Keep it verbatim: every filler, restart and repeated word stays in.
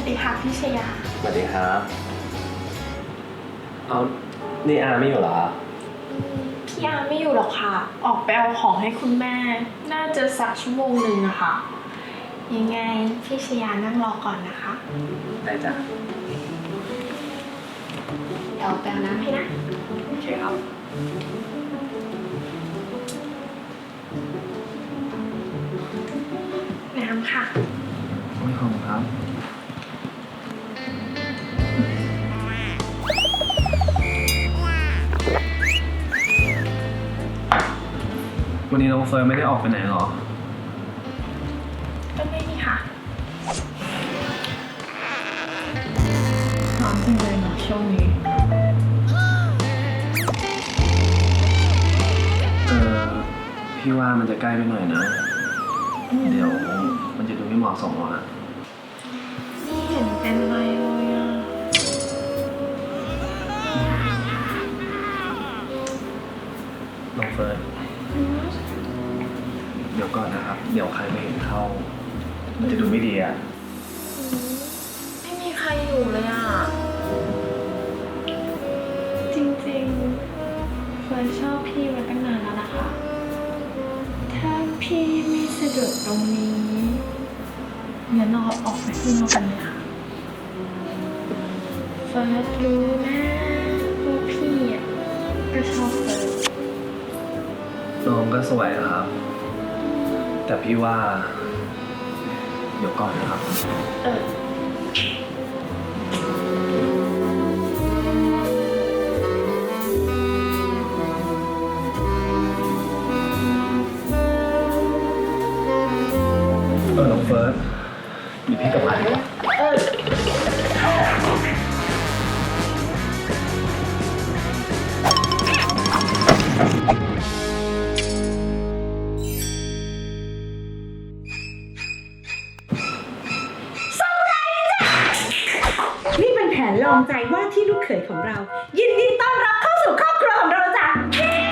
สดีค่ะพี่ชยาสวัสดีครับเอานี่อาไม่อยู่เหรอพี่อาไม่อยู่หรอกค่ะ ออกไปเอาของให้คุณแม่ น่าจะสักชั่วโมงหนึ่งอะค่ะ ยังไงพี่ชยานั่งรอก่อนนะคะได้จ้ะเดี๋ยวไปเอาน้ำให้นะโอเคครับน้ำค่ะไม่ขอบคุณครับวันนี้น้องเฟิร์นไม่ได้ออกไปไหนหรอก็ไม่มีค่ะร้อนจังเลยเนาะช่วงนี้เออพี่ว่ามันจะใกล้ไปหน่อยนะ เดี๋ยวมันจะดูไม่เหมาะสมอ่ะนี่เห็นเป็นอะไรเลยอะน้องเฟิร์นเดี๋ยวก่อนนะครับ เดี๋ยวใครไม่เห็นเข้า มันจะดูไม่ดีอ่ะไม่มีใครอยู่เลยอะจริงๆเฟิร์นชอบพี่มาตั้งนานแล้วนะคะ ถ้าพี่ไม่สะดวกตรงนี้งั้นเราออกไปข้างนอกกันเลยค่ะเฟิร์สรู้นะว่าพี่อ่ะก็ชอบเฟิร์สน้องก็สวยนะครับ แต่พี่ว่า เดี๋ยวก่อนนะครับเออเออน้องเฟิร์สมีพี่กับมาดีกว่าเออนี่เป็นแผนลองใจว่าที่ลูกเขยของเรา ยินดีต้อนรับเข้าสู่ครอบครัวของเราจ้ะ